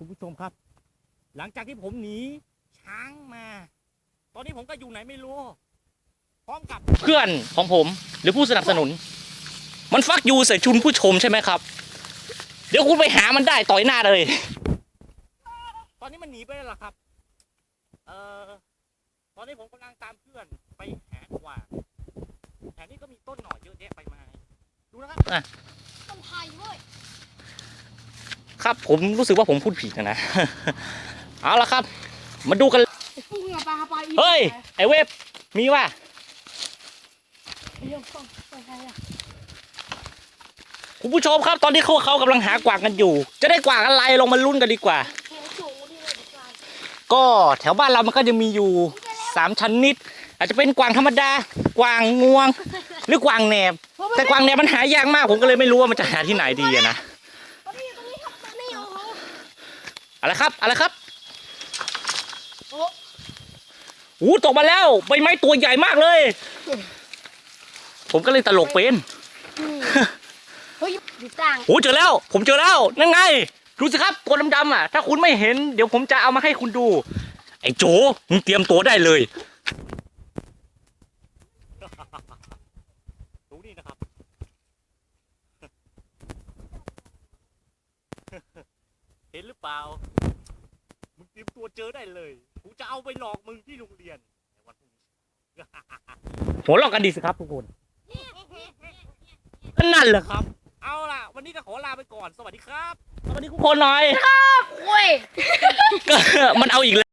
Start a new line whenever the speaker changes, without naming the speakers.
ผู้ชมครับหลังจากที่ผมหนีช้างมาตอนนี้ผมก็อยู่ไหนไม่รู้พร้อมกับเพื่อนของผมหรือผู้สนับสนุนมันฟักยูใส่ชุนผู้ชมใช่ไหมครับเดี๋ยวคุณไปหามันได้ต่อยหน้าเลยตอนนี้มันหนีไปแล้วล่ะครับตอนนี้ผมกำลังตามเพื่อนไปหากวางแถวนี้ก็มีต้นหน่อเยอะแยะไปมาดูนะครับ
ต้นไผ่เว้ย
ครับผมรู้สึกว่าผมพูดผิดนะ เอาละครับมาดูกันเฮ้ยไอเว็บมีว่ะคุณผู้ชมครับตอนนี้เขากำลังหากวางกันอยู่จะได้กวางอะไรลองมาลุ้นกันดีกว่าก็แถวบ้านเรามันก็จะมีอยู่3ชนิดอาจจะเป็นกวางธรรมดากวางงวงหรือกวางแหนบแต่กวางแหนบมันหายากมากผมก็เลยไม่รู้ว่ามันจะหาที่ไหนดีนะอะไรครับอะไรครับโอ้ตกมาแล้วใบไม้ตัวใหญ่มากเลยผมก็เลยตลกเป็น
เฮ้ยอยู่ต่าง
โอ้เจอแล้วผมเจอแล้วนั่นไงดูสิครับตัวดำๆอ่ะถ้าคุณไม่เห็นเดี๋ยวผมจะเอามาให้คุณดูไอ้โจมึงเตรียมตัวได้เลยดูนี่นะครับเห็นหรือเปล่ามึงเตรียมตัวเจอได้เลยกูจะเอาไปหลอกมึงที่โรงเรียนในวันพรุ่งนี้หัวเราะกันดีสิครับทุกคนนั่นแหละครับเอาล่ะวันนี้ก็ขอลาไปก่อนสวัสดีครับสวัสดีทุกคนหน่อย
ครับเว้ย
มันเอาอีกแล้ว